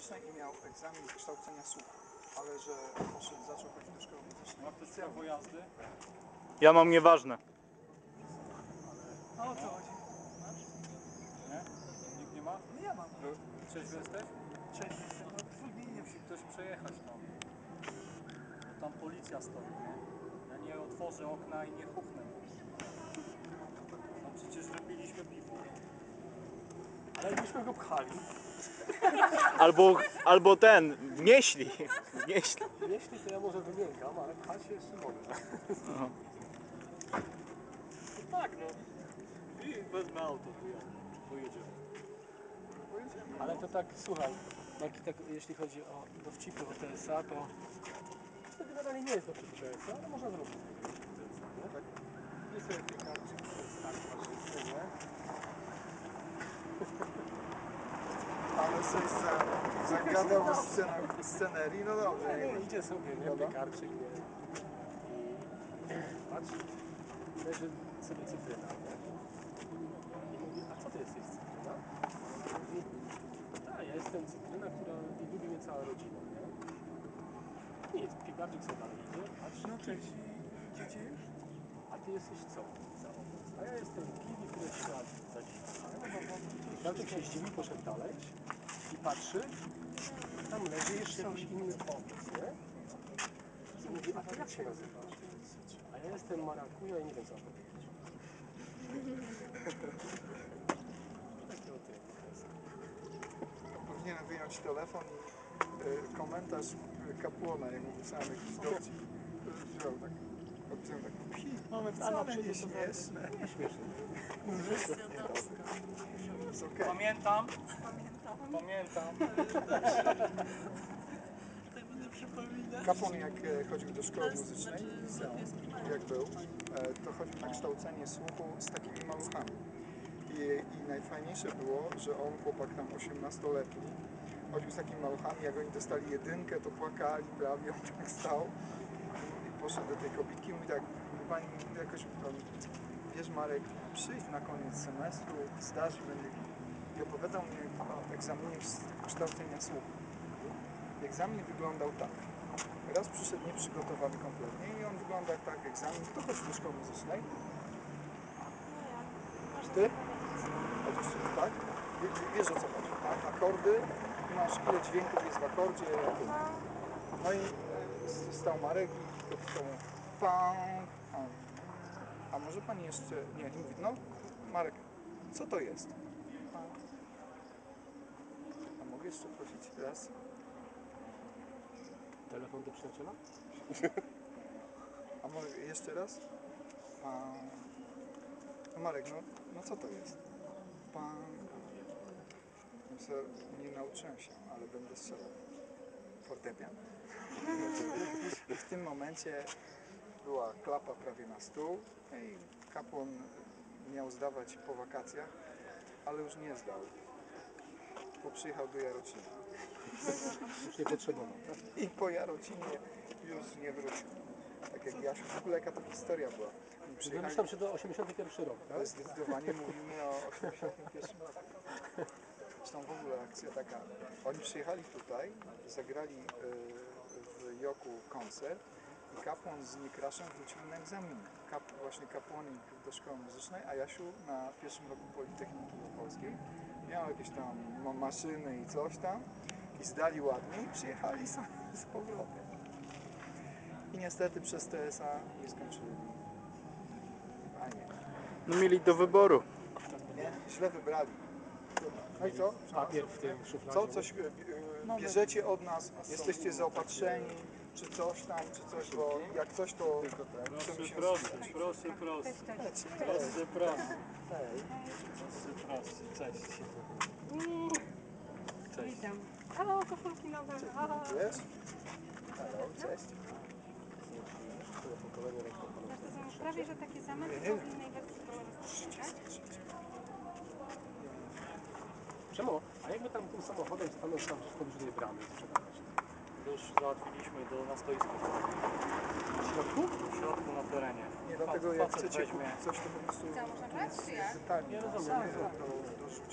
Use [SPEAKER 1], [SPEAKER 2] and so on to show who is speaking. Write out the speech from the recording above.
[SPEAKER 1] muzycznej i miał egzamin z kształcenia słuchu, ale że poszedł, zaczął chodzić do szkoły muzycznej.
[SPEAKER 2] Ma ktoś prawo jazdy?
[SPEAKER 3] Ja mam nieważne.
[SPEAKER 4] A o co chodzi?
[SPEAKER 2] Nie? Nikt nie ma?
[SPEAKER 4] No ja mam.
[SPEAKER 2] Trzeźwy jesteś?
[SPEAKER 4] Cześć, no zwolnienie
[SPEAKER 2] Musi ktoś przejechać tam. Bo tam policja stoi, nie? Ja nie otworzę okna i nie huknę. No przecież wypiliśmy piwo.
[SPEAKER 4] Ale jakbyśmy go pchali,
[SPEAKER 3] Albo ten, wnieśli. Wnieśli.
[SPEAKER 4] jeśli to ja może wymiękam, ale pchać się jeszcze mogę.
[SPEAKER 3] Aha.
[SPEAKER 2] No tak, no. I wezmę auto, pojedziemy.
[SPEAKER 4] Ale to tak, słuchaj, Marki, tak, jeśli chodzi o dowcipy o TSA, to generalnie nie jest dowcip o TSA, ale można zrobić TSA, nie? Tak. Nie sobie piekarczyk, to jest tak faszyzmy, nie?
[SPEAKER 1] Ale coś zagadał o scenerii, no dobrze.
[SPEAKER 4] Nie, idzie sobie, nie? Piekarczyk, nie? I patrzy, leży sobie cytryna, nie? I mówi, a co ty jesteś cytryna? Mówi, tak, ja jestem cytryna, która lubi mnie cała rodzina, nie? Nic, piekarczyk sobie dalej idzie, patrzy,
[SPEAKER 1] No cześć, idziecie już?
[SPEAKER 4] a ty jesteś co? Za owoc. A ja jestem kiwi, który świat za dziś. Piekarczyk się zdziwił, poszedł dalej i patrzy, tam leży jeszcze jakiś inny owoc, nie? I mówi, a ty jak się nazywasz? A ja jestem marakuja i nie wiem co mam powiedzieć. Takie o tym.
[SPEAKER 1] Powinienem wyjąć telefon i komentarz kapłana, jak mu pisałem jakiś dowcip. Wziął tak, odpisałem tak, mamy wcale nie śmieszne.
[SPEAKER 4] Nie śmieszne.
[SPEAKER 1] Jest okej.
[SPEAKER 2] Pamiętam.
[SPEAKER 1] Kapłan jak chodził do szkoły muzycznej, jak był, to chodził na kształcenie słuchu z takimi maluchami. I najfajniejsze było, że on, chłopak tam 18-letni, chodził z takimi maluchami, jak oni dostali jedynkę, to płakali prawie, on tak stał i poszedł do tej kobitki i mówi tak, pani jakoś, wiesz Marek, przyjdź na koniec semestru, zdasz i będzie... I opowiadał mi o egzaminie z kształcenia słuchu. Egzamin wyglądał tak. Raz przyszedł nieprzygotowany kompletnie i on wygląda jak tak, egzamin, kto chodzi do szkoły muzycznej? Ty? Chodzisz, tak? Wiesz o co chodzi, tak? Akordy, masz ile dźwięków jest w akordzie. No i stał Marek i dopisał mu pan. A może pan jeszcze, nie, i mówi, no Marek, co to jest? A mogę jeszcze prosić raz?
[SPEAKER 4] Telefon do przyjaciela?
[SPEAKER 1] A może jeszcze raz? Pan. No Marek, no co to jest? Pan. Nie nauczyłem się, ale będę strzelał. Fortepian. I w tym momencie była klapa prawie na stół i kapłan miał zdawać po wakacjach, ale już nie zdał, bo przyjechał do Jarocina.
[SPEAKER 4] Już nie potrzebował, tak?
[SPEAKER 1] I po Jarocinie już nie wrócił. Tak jak Jasiu, w ogóle jaka to historia była. Oni przyjechali,
[SPEAKER 4] Wymyślam się do 81 rok, tak?
[SPEAKER 1] zdecydowanie mówimy o 81 roku. Zresztą w ogóle akcja taka. Oni przyjechali tutaj, zagrali w Joku koncert i kapłan z Niekraszem wrócili na egzamin. Właśnie kapłanik do szkoły muzycznej, a Jasiu na pierwszym roku Politechniki Opolskiej miał jakieś tam maszyny i coś tam i zdali ładnie i przyjechali z powrotem. I niestety przez TSA nie skończyli. A nie.
[SPEAKER 3] No mieli do wyboru.
[SPEAKER 1] Nie, źle wybrali. No i co?
[SPEAKER 4] Papier w tym szufladzie.
[SPEAKER 1] Co? Coś bierzecie od nas, jesteście zaopatrzeni, czy coś tam, czy coś, bo jak coś to chcemy się
[SPEAKER 2] Proszę,
[SPEAKER 1] skupić.
[SPEAKER 2] Cześć. Cześć.
[SPEAKER 5] Witam. Halo, koszulki nowe. Halo.
[SPEAKER 1] Wiesz? Halo, cześć.
[SPEAKER 5] To są prawie, że takie same, tylko w innej wersji kolorystycznej, tak?
[SPEAKER 4] Przemo, a jakby tam tym samochodem stanął tam w pobliżu tej bramy sprzedawać?
[SPEAKER 2] To już załatwiliśmy na stoisku.
[SPEAKER 4] W środku?
[SPEAKER 2] W środku na terenie.
[SPEAKER 1] Nie, dlatego jak
[SPEAKER 2] Facet
[SPEAKER 1] chcecie
[SPEAKER 2] weźmie.
[SPEAKER 1] kupić coś, to po prostu...
[SPEAKER 5] Co, można brać, czy jak?
[SPEAKER 1] Tak,
[SPEAKER 4] Nie rozumiem.
[SPEAKER 1] to dorzucę.